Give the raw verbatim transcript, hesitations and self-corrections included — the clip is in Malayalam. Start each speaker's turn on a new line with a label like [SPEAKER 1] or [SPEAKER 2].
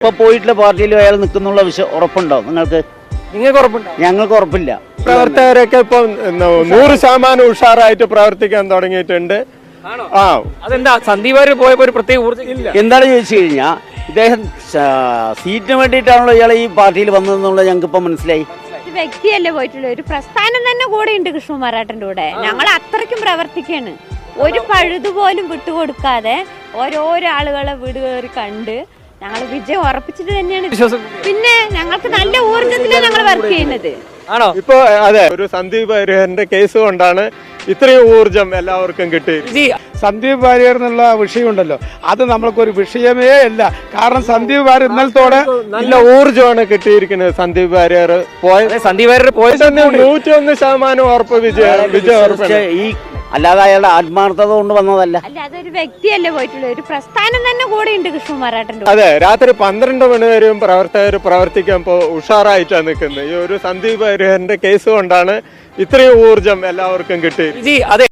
[SPEAKER 1] ഇപ്പൊ പോയിട്ടുള്ള പാർട്ടിയിൽ അയാൾ നിൽക്കുന്നുള്ള വിഷയം ഉറപ്പുണ്ടോ നിങ്ങൾക്ക്?
[SPEAKER 2] നിങ്ങൾക്ക് ഉറപ്പുണ്ടോ?
[SPEAKER 1] ഞങ്ങൾക്ക് ഉറപ്പില്ല.
[SPEAKER 3] പ്രവർത്തകരൊക്കെ ഇപ്പൊ നൂറ് ശതമാനം ഉഷാറായിട്ട് പ്രവർത്തിക്കാൻ തുടങ്ങിയിട്ടുണ്ട്. ആ
[SPEAKER 2] അതെന്താ സന്ദീപ് വാര്യർ പോയപ്പോ ഒരു പ്രത്യേക ഊർജ്ജം ഇല്ല?
[SPEAKER 1] എന്താണ് ചോദിച്ചു കഴിഞ്ഞാൽ ഇദ്ദേഹം സീറ്റിന് വേണ്ടിയിട്ടാണല്ലോ ഇയാൾ ഈ പാർട്ടിയിൽ വന്നതെന്നുള്ളത് ഞങ്ങൾക്ക് ഇപ്പൊ മനസ്സിലായി.
[SPEAKER 4] ഒരു വ്യക്തിയല്ലേ പോയിട്ടുള്ള ഒരു പ്രസ്ഥാനം തന്നെ കൂടെ ഉണ്ട് കൃഷ്ണകുമാരേട്ടൻ്റെ കൂടെ. ഞങ്ങൾ അത്രയ്ക്കും പ്രവർത്തിക്കാണ്. ഒരു പഴുതുപോലും വിട്ടുകൊടുക്കാതെ ഓരോരോ ആളുകളെ വീട് കയറി കണ്ട് ഞങ്ങൾ വിജയം ഉറപ്പിച്ചിട്ട് തന്നെയാണ്. പിന്നെ ഞങ്ങൾക്ക് നല്ല ഊർജ്ജത്തിലാണ് ഞങ്ങൾ വർക്ക് ചെയ്യുന്നത്.
[SPEAKER 2] ആണോ?
[SPEAKER 3] ഇപ്പൊ അതെ, ഒരു സന്ദീപ് വാര്യറിന്റെ കേസ് കൊണ്ടാണ് ഇത്രയും ഊർജം എല്ലാവർക്കും കിട്ടി.
[SPEAKER 5] സന്ദീപ് വാര്യർ എന്നുള്ള വിഷയമുണ്ടല്ലോ, അത് നമ്മൾക്കൊരു വിഷയമേ അല്ല. കാരണം സന്ദീപ് വാര്യർ ഇന്നലത്തോടെ
[SPEAKER 3] നല്ല ഊർജമാണ് കിട്ടിയിരിക്കുന്നത്. സന്ദീപ് വാര്യർ പോയ
[SPEAKER 2] സന്ദീപ് വാര്യർ പോയ
[SPEAKER 3] നൂറ്റി ഒന്ന് ശതമാനം ഉറപ്പ് വിജയം വിജയം ഉറപ്പാണ്.
[SPEAKER 1] ഈ അല്ലാതെ അയാളുടെ ആത്മാർത്ഥത കൊണ്ട് വന്നതല്ല.
[SPEAKER 4] അല്ല, അതൊരു വ്യക്തിയല്ലേ പോയിട്ടുള്ള ഒരു പ്രസ്ഥാനം തന്നെ കൂടെ ഉണ്ട് കൃഷ്ണകുമാരേട്ടൻ്റെ കൂടെ.
[SPEAKER 3] അതെ, രാത്രി പന്ത്രണ്ട് മണി വരെയും പ്രവർത്തകർ പ്രവർത്തിക്കാൻ ഇപ്പോ ഉഷാറായിട്ടാണ് നിൽക്കുന്നത്. ഈ ഒരു സന്ദീപ് വാര്യറിന്റെ കേസ് കൊണ്ടാണ് ഇത്രയും ഊർജം എല്ലാവർക്കും കിട്ടി.
[SPEAKER 2] അതെ.